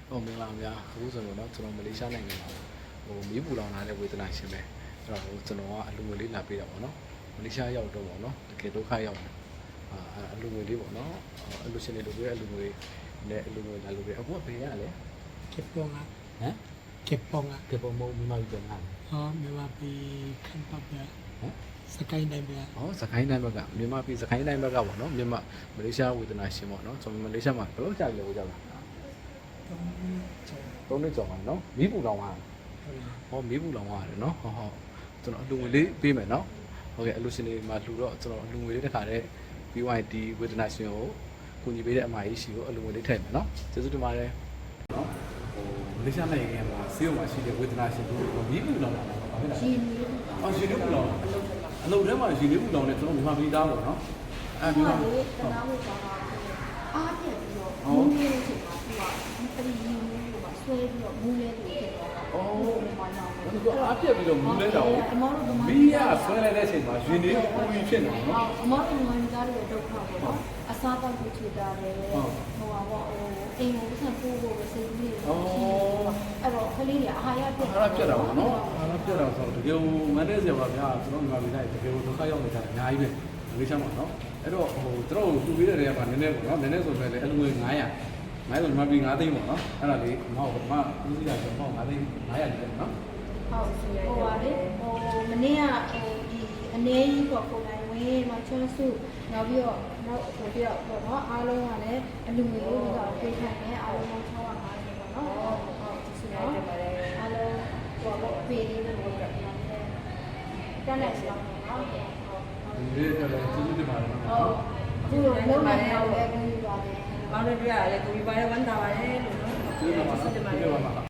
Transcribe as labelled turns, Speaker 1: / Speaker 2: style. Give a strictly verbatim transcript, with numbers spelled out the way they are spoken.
Speaker 1: ဟိုမင်္ဂလာပါအခုဆိုတော့ကျွန်တော်မလေးရှားနိုင်ငံမှာဟိုမီးပူလောင်လာတဲ့ဝေဒနာရှင်ပဲအဲ့တော့ဟိုကျွန်တော်ကအလူငွေလေးလာပေးတာပေါ့နော်မလေးရှားရောက်တော့ပေါ့နော်တကယ်ဒုက္ခရောက်တယ်အာအလူငွေလေးပေါ့နော်အလူရှင်တွေလိုပဲအလူငွေနဲ့အလူငွေလာလို့ပဲအခုကဘယ်ရလဲ
Speaker 2: เก็บปองอ่ะ
Speaker 1: ဟမ်
Speaker 2: เก็บปองอ่ะ
Speaker 1: ကေပုံမုံမြန်မာပြည်ပြန်လာ
Speaker 2: อ๋อไม่ว่าไปขั้นปั๊บเนี่ย
Speaker 1: ဟမ်
Speaker 2: สกายได้เนี่ย
Speaker 1: ဟောစကိုင်းတိုင်းဘက်ကမြန်မာပြည်စကိုင်းတိုင်းဘက်ကပေါ့နော်မြန်မာမလေးရှားဝေဒနာရှင်ပေါ့နော်ကျွန်တော်မလေးရှားမှာဘယ်လိုကြာပြီလဲဟိုကြာလား
Speaker 2: ต้องจบ
Speaker 1: သုံးနှစ်ကျော်ပါနော်မီးပူလောင်သွားဟောမီးပူလောင်သွားတယ်နော်ဟောဟောကျွန်တော်အလူငွေလေးပေးမယ်နော်ဟုတ်ကဲ့အလူရှင်တွေမှာလှူတော့ကျွန်တော်အလူငွေလေးတစ်ခါတည်း B Y D ဝေဒနာရှင်ကိုကူညီပေးတဲ့အမကြီးရှိကိုအလူငွေလေးထည့်မယ်နော်ကျေးဇူးတင်ပါတယ်နော်ဟိုမလေးရှားနိုင်ငံမှာဆေးရုံမှာရှိတဲ့ဝေဒနာရှင်တို့မီးပူလောင်တာပါဘာဖြစ်လဲ
Speaker 3: ရှင်နေ
Speaker 1: အော်ရှင်လေးပူလောင်အလုပ်ထဲမှာရှင်လေးပူလောင်တယ်ကျွန်တော်မြန်မာပြည်သားပေါ့နော်အဲ့ဒီ
Speaker 3: ဒီ
Speaker 1: မှာ
Speaker 3: မှာလေတနာဖို့ပါတာအားပြည့်ပြီးတော့မူးလေးချိန်မှာသူကဒီပရိယင်းလေးကိုဆွဲပြီးတော့မူးလေးတွေဖြစ်သွားတာ။အော်ဒီမှာတော့
Speaker 1: ဒီကအားပြက်ပြီးတော့မူးလဲတော့မီးရဆွဲလိုက်တဲ့အချိန်မှာရှင်လေးပူပြီးဖြစ်နေတယ်နော်
Speaker 3: အမောတို့ငွေသားတွေဒုက္ခပေါ့နော်။အစားတောက်ကိုချွေတာလေ။ဟိုပါပေါ့ဟိုအိမ်ကိုဆက်ပို့ဖို့ပဲစိတ်ကြီးတွေ။အဲ့တော့ခလေးတွေအာဟာရပြတ်
Speaker 1: အားရပြက်တာပေါ့နော်အားရပြက်တာဆိုတော့တကယ်မန်တဲ့ဆရာပါဗျာကျွန်တော်မြန်မာပြည်သားတကယ်ဒုက္ခရောက်နေတာအများကြီးပဲမလေးရှားမှာနော်အဲ့တော့ဟိုတို့သူပေးတဲ့နေရာမှာနည်းနည်းပေါ့နော်နည်းနည်းဆိုပေမဲ့လည်းအလူငွေ900 900ဆိုမြန်မာပြည်9သိန်းပေါ့နော်အဲ့ဒါလေးမဟုတ်ဘာမှဦးစီးရဆိုတော့9သိန်း900လေးပေါ့နော်
Speaker 3: ဟုတ်ဟိုပါလေဟိုမနေ့ကဟိုဒီအနေကြီးပေါ့ပုံတိုင်းဝင်မချွန်းစုနောက်ပြီးတော့နောက်ဟိုပြီးတော့ပေါ့နော်အားလုံးကလည်းအလူငွေလို့ပြီးတော့ပေးခိုင်းတယ်အားလုံး၆၅၀ပေါ့နော်ဟုတ်ဟုတ်ဆိုတော့အားလုံးဟိုပေါ့ပေးလေးလို့ပြောတယ်တက်လက်ဆောင်နော်ဟုတ်
Speaker 1: ဒီလေးကလည်းကျေးဇူးတင်ပါတယ်နော်
Speaker 3: ဟုတ်အခုလုံးဝတော့လည်းကူပါတယ်
Speaker 4: မောင်တို့တွေ့ရတယ်ကိုပြီးပါတယ်ဝမ်းသာပါတယ်လို့နော်
Speaker 1: ကျေးဇူးတင်ပါတယ်ကျေးဇူးတင်ပါ